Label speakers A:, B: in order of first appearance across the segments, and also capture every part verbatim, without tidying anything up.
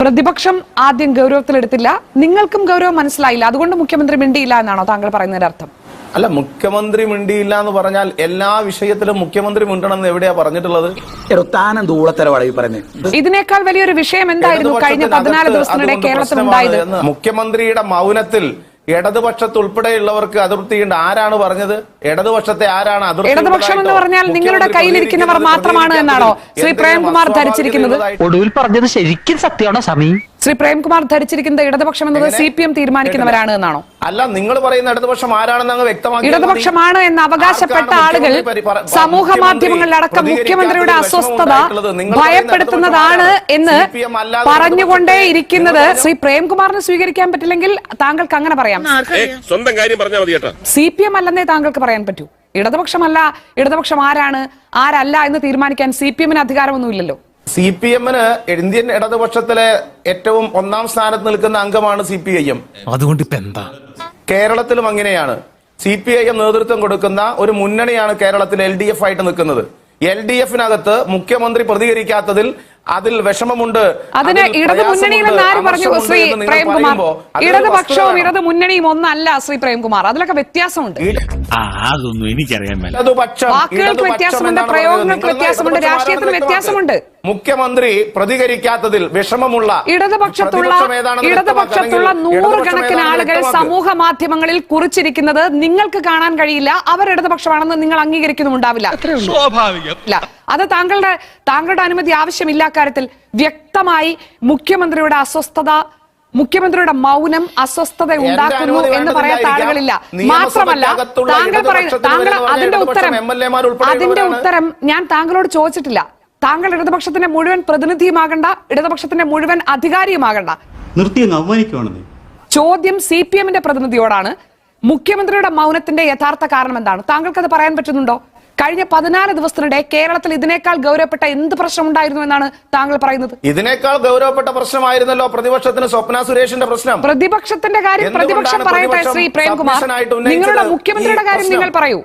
A: പ്രതിപക്ഷം ആദ്യം ഗൗരവത്തിലെടുത്തില്ല, നിങ്ങൾക്കും ഗൗരവം മനസ്സിലായില്ല, അതുകൊണ്ട് മുഖ്യമന്ത്രി മിണ്ടിയില്ല എന്നാണോ താങ്കൾ പറയുന്നതിന്റെ അർത്ഥം?
B: അല്ല, മുഖ്യമന്ത്രി മിണ്ടിയില്ല എന്ന് പറഞ്ഞാൽ എല്ലാ വിഷയത്തിലും മുഖ്യമന്ത്രി മിണ്ടണമെന്ന് എവിടെയാ പറഞ്ഞിട്ടുള്ളത്?
A: ഇതിനേക്കാൾ വലിയൊരു വിഷയം എന്തായിരുന്നു കഴിഞ്ഞ പതിനാല് ദിവസത്തിനിടെ കേരളത്തിൽ ഉണ്ടായത്?
B: മുഖ്യമന്ത്രിയുടെ മൗനത്തിൽ ഇടതുപക്ഷത്ത് ഉൾപ്പെടെയുള്ളവർക്ക് അതിർത്തിയുണ്ട്. ആരാണ് പറഞ്ഞത്? ഇടതുപക്ഷത്തെ ആരാണ് അതിർത്തി?
A: ഇടതുപക്ഷം എന്ന് പറഞ്ഞാൽ നിങ്ങളുടെ കയ്യിലിരിക്കുന്നവർ മാത്രമാണ് എന്നാണോ ശ്രീ പ്രേംകുമാർ ധരിച്ചിരിക്കുന്നത്?
C: ഒടുവിൽ പറഞ്ഞത് ശരിക്കും സത്യമാണോ സമീ?
A: ശ്രീ പ്രേംകുമാർ ധരിച്ചിരിക്കുന്നത് ഇടതുപക്ഷം എന്നത് സി പി എം തീരുമാനിക്കുന്നവരാണ് എന്നാണോ?
B: അല്ല, നിങ്ങൾ പറയുന്ന ഇടതുപക്ഷം ആരാണെന്ന് അങ്ങ് വ്യക്തമാക്കി.
A: ഇടതുപക്ഷമാണ് എന്ന് അവകാശപ്പെട്ട ആളുകൾ സമൂഹ മാധ്യമങ്ങളിലടക്കം മുഖ്യമന്ത്രിയുടെ അസ്വസ്ഥത ഭയപ്പെടുത്തുന്നതാണ് എന്ന് പറഞ്ഞുകൊണ്ടേയിരിക്കുന്നത് ശ്രീ പ്രേംകുമാറിന് സ്വീകരിക്കാൻ പറ്റില്ലെങ്കിൽ താങ്കൾക്ക് അങ്ങനെ പറയാം.
D: സ്വന്തം കാര്യം പറഞ്ഞാൽ മതി കേട്ടോ.
A: സി പി എം അല്ലെന്നേ താങ്കൾക്ക് പറയാൻ പറ്റൂ. ഇടതുപക്ഷമല്ല, ഇടതുപക്ഷം ആരാണ് ആരല്ല എന്ന് തീരുമാനിക്കാൻ സി പി എമ്മിന് അധികാരമൊന്നുമില്ലല്ലോ.
B: സി പി എമ്മിന് ഇന്ത്യൻ ഇടതുപക്ഷത്തിലെ ഏറ്റവും ഒന്നാം സ്ഥാനത്ത് നിൽക്കുന്ന അംഗമാണ് സി പി ഐ എം.
E: അതുകൊണ്ട് ഇപ്പൊ എന്താ?
B: കേരളത്തിലും അങ്ങനെയാണ്. സി പി ഐ എം നേതൃത്വം കൊടുക്കുന്ന ഒരു മുന്നണിയാണ് കേരളത്തിൽ എൽ ഡി എഫ് ആയിട്ട് നിൽക്കുന്നത്. എൽ ഡി എഫിനകത്ത് മുഖ്യമന്ത്രി പ്രതികരിക്കാത്തതിൽ അതിൽ വിഷമമുണ്ട്.
A: അതിന് ഇടത് മുന്നണിയിലെന്ന് ആര് പറഞ്ഞു ശ്രീ പ്രേംകുമാർ? ഇടതുപക്ഷവും ഇടത് മുന്നണിയും ഒന്നല്ല ശ്രീ പ്രേംകുമാർ, അതിലൊക്കെ വ്യത്യാസമുണ്ട്.
E: അതൊന്നും എനിക്കറിയാൻ മേല.
A: വാക്കുകൾക്ക് വ്യത്യാസമുണ്ട്, പ്രയോഗങ്ങൾക്ക് വ്യത്യാസമുണ്ട്, രാഷ്ട്രീയത്തിന് വ്യത്യാസമുണ്ട്.
B: മുഖ്യമന്ത്രി പ്രതികരിക്കാത്തതിൽ വിഷമമുള്ള
A: ഇടതുപക്ഷത്തുള്ള ഇടതുപക്ഷത്തുള്ള നൂറുകണക്കിന് ആളുകൾ സമൂഹ മാധ്യമങ്ങളിൽ കുറിച്ചിരിക്കുന്നത് നിങ്ങൾക്ക് കാണാൻ കഴിയില്ല. അവർ ഇടതുപക്ഷമാണെന്ന് നിങ്ങൾ അംഗീകരിക്കുന്നുണ്ടാവില്ല. അത് താങ്കളുടെ താങ്കളുടെ അനുമതി ആവശ്യമില്ല. കാര്യത്തിൽ വ്യക്തമായി മുഖ്യമന്ത്രിയുടെ അസ്വസ്ഥത, മുഖ്യമന്ത്രിയുടെ മൗനം അസ്വസ്ഥത ഉണ്ടാക്കുന്നു എന്ന് പറയാത്ത ആളുകളില്ല. മാത്രമല്ല താങ്കൾ പറയുന്ന താങ്കൾ അതിന്റെ ഉത്തരം അതിന്റെ ഉത്തരം ഞാൻ താങ്കളോട് ചോദിച്ചിട്ടില്ല. താങ്കൾ ഇടതുപക്ഷത്തിന്റെ മുഴുവൻ പ്രതിനിധിയുമാകണ്ട, ഇടതുപക്ഷത്തിന്റെ മുഴുവൻ അധികാരിയുമാകണ്ട. ചോദ്യം സി പി എമ്മിന്റെ പ്രതിനിധിയോടാണ്. മുഖ്യമന്ത്രിയുടെ മൗനത്തിന്റെ യഥാർത്ഥ കാരണം എന്താണ്? താങ്കൾക്കത് പറയാൻ പറ്റുന്നുണ്ടോ? കഴിഞ്ഞ പതിനാല് ദിവസത്തിനിടെ കേരളത്തിൽ ഇതിനേക്കാൾ ഗൗരവപ്പെട്ട എന്ത് പ്രശ്നം ഉണ്ടായിരുന്നു എന്നാണ് താങ്കൾ പറയുന്നത്?
B: ഇതിനേക്കാൾ ഗൗരവപ്പെട്ട പ്രശ്നമായിരുന്നല്ലോ പ്രതിപക്ഷത്തിന് സ്വപ്ന സുരേഷിന്റെ പ്രശ്നം.
A: പ്രതിപക്ഷത്തിന്റെ കാര്യം പ്രതിപക്ഷം പറയട്ടെ ശ്രീ പ്രേംകുമാർ. നിങ്ങളുടെ മുഖ്യമന്ത്രിയുടെ കാര്യം നിങ്ങൾ പറയൂ.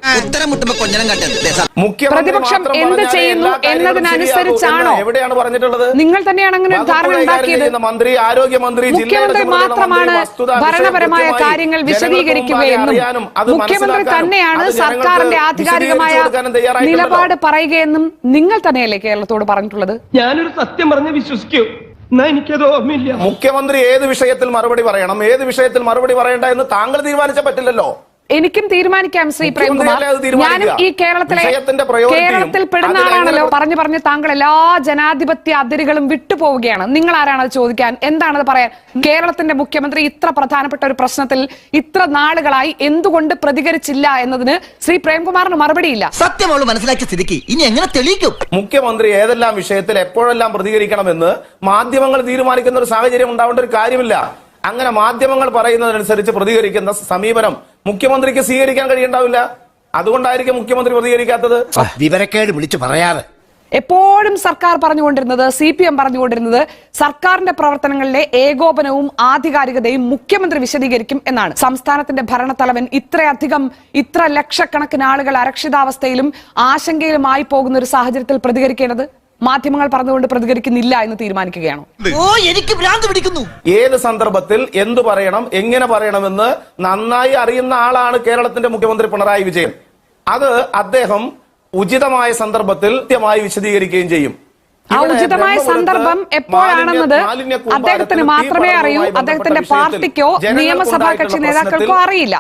A: പ്രതിപക്ഷം എന്ത് ചെയ്യുന്നു എന്നതിനനുസരിച്ചാണോ?
B: എവിടെയാണ് പറഞ്ഞിട്ടുള്ളത്?
A: നിങ്ങൾ തന്നെയാണ് അങ്ങനെ ഒരു ധാരണ ഉണ്ടാക്കിയത്.
B: മന്ത്രി, ആരോഗ്യമന്ത്രി,
A: മുഖ്യമന്ത്രി മാത്രമാണ് ഭരണപരമായ കാര്യങ്ങൾ വിശദീകരിക്കുകയെന്നും മുഖ്യമന്ത്രി തന്നെയാണ് സർക്കാരിന്റെ ആധികാരികമായ നിലപാട് പറയുകയെന്നും നിങ്ങൾ തന്നെയല്ലേ കേരളത്തോട് പറഞ്ഞിട്ടുള്ളത്?
F: ഞാനൊരു സത്യം പറഞ്ഞ് വിശ്വസിക്കൂ. എനിക്കത് ഓർമ്മയില്ല.
B: മുഖ്യമന്ത്രി ഏത് വിഷയത്തിൽ മറുപടി പറയണം, ഏത് വിഷയത്തിൽ മറുപടി പറയണ്ട എന്ന് താങ്കൾ തീരുമാനിച്ചാൽ പറ്റില്ലല്ലോ.
A: എനിക്കും തീരുമാനിക്കാം ശ്രീ പ്രേംകുമാർ. ഞാനും ഈ കേരളത്തിലെ കേരളത്തിൽ പെടുന്ന ആളാണല്ലോ. പറഞ്ഞു പറഞ്ഞ് താങ്കൾ എല്ലാ ജനാധിപത്യ അതിരുകളും വിട്ടുപോവുകയാണ്. നിങ്ങൾ ആരാണ് അത് ചോദിക്കാൻ? എന്താണത് പറയാൻ? കേരളത്തിന്റെ മുഖ്യമന്ത്രി ഇത്ര പ്രധാനപ്പെട്ട ഒരു പ്രശ്നത്തിൽ ഇത്ര നാളുകളായി എന്തുകൊണ്ട് പ്രതികരിച്ചില്ല എന്നതിന് ശ്രീ പ്രേംകുമാറിന് മറുപടിയില്ല.
C: സത്യം മനസ്സിലാക്കിയ സ്ഥിതിക്ക് ഇനി എങ്ങനെ തെളിയിക്കും?
B: മുഖ്യമന്ത്രി ഏതെല്ലാം വിഷയത്തിൽ എപ്പോഴെല്ലാം പ്രതികരിക്കണമെന്ന് മാധ്യമങ്ങൾ തീരുമാനിക്കുന്ന ഒരു സാഹചര്യം ഉണ്ടാവേണ്ട ഒരു കാര്യമില്ല. അങ്ങനെ മാധ്യമങ്ങൾ പറയുന്നതനുസരിച്ച് പ്രതികരിക്കുന്ന സമീപനം മുഖ്യമന്ത്രിക്ക് സ്വീകരിക്കാൻ കഴിയുണ്ടാവില്ല. അതുകൊണ്ടായിരിക്കും മുഖ്യമന്ത്രി പ്രതികരിക്കാത്തത്.
C: വിവരക്കേട് വിളിച്ചു പറയാറ്.
A: എപ്പോഴും സർക്കാർ പറഞ്ഞുകൊണ്ടിരുന്നത്, സി പി എം പറഞ്ഞുകൊണ്ടിരുന്നത്, സർക്കാരിന്റെ പ്രവർത്തനങ്ങളിലെ ഏകോപനവും ആധികാരികതയും മുഖ്യമന്ത്രി വിശദീകരിക്കും എന്നാണ്. സംസ്ഥാനത്തിന്റെ ഭരണത്തലവൻ ഇത്രയധികം ഇത്ര ലക്ഷക്കണക്കിന് ആളുകൾ അരക്ഷിതാവസ്ഥയിലും ആശങ്കയിലുമായി പോകുന്ന ഒരു സാഹചര്യത്തിൽ പ്രതികരിക്കേണ്ടത് മാധ്യമങ്ങൾ പറഞ്ഞുകൊണ്ട് പ്രതികരിക്കുന്നില്ല എന്ന് തീരുമാനിക്കുകയാണോ?
C: ഓ, എനിക്ക് ഭ്രാന്ത് പിടിക്കുന്നു.
B: ഏത് സന്ദർഭത്തിൽ എന്തു പറയണം, എങ്ങനെ പറയണമെന്ന് നന്നായി അറിയുന്ന ആളാണ് കേരളത്തിന്റെ മുഖ്യമന്ത്രി പിണറായി വിജയൻ. അത് അദ്ദേഹം ഉചിതമായ സന്ദർഭത്തിൽ കൃത്യമായി വിശദീകരിക്കുകയും ചെയ്യും.
A: ആ ഉചിതമായ സന്ദർഭം എപ്പോഴാണെന്നത് അദ്ദേഹത്തിന് മാത്രമേ അറിയൂ. അദ്ദേഹത്തിന്റെ പാർട്ടിക്കോ നിയമസഭാ കക്ഷി നേതാക്കൾക്കോ അറിയില്ല.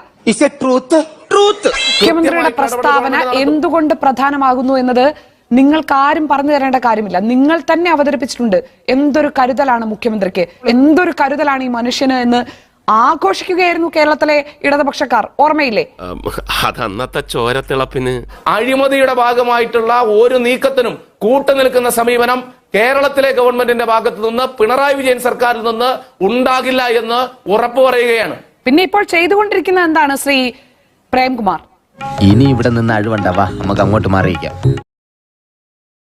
A: മുഖ്യമന്ത്രിയുടെ പ്രസ്താവന എന്തുകൊണ്ട് പ്രധാനമാകുന്നു എന്നത് നിങ്ങൾക്ക് ആരും പറഞ്ഞു തരേണ്ട കാര്യമില്ല. നിങ്ങൾ തന്നെ അവതരിപ്പിച്ചിട്ടുണ്ട്. എന്തൊരു കരുതലാണ് മുഖ്യമന്ത്രിക്ക്, എന്തൊരു കരുതലാണ് ഈ മനുഷ്യന് എന്ന് ആഘോഷിക്കുകയായിരുന്നു കേരളത്തിലെ ഇടതുപക്ഷക്കാർ. ഓർമ്മയില്ലേ?
D: അതന്നത്തെ ചോരത്തിളപ്പിന്
B: അഴിമതിയുടെ ഭാഗമായിട്ടുള്ള ഒരു നീക്കത്തിനും കൂട്ടുനിൽക്കുന്ന സമീപനം കേരളത്തിലെ ഗവൺമെന്റിന്റെ ഭാഗത്തു നിന്ന്, പിണറായി വിജയൻ സർക്കാരിൽ നിന്ന് ഉണ്ടാകില്ല എന്ന് ഉറപ്പു പറയുകയാണ്.
A: പിന്നെ ഇപ്പോൾ ചെയ്തുകൊണ്ടിരിക്കുന്നത് എന്താണ് ശ്രീ പ്രേംകുമാർ?
G: ഇനി ഇവിടെ നിന്ന് അഴിവണ്ടാവാ, നമുക്ക് അങ്ങോട്ട് മാറിയിക്കാം.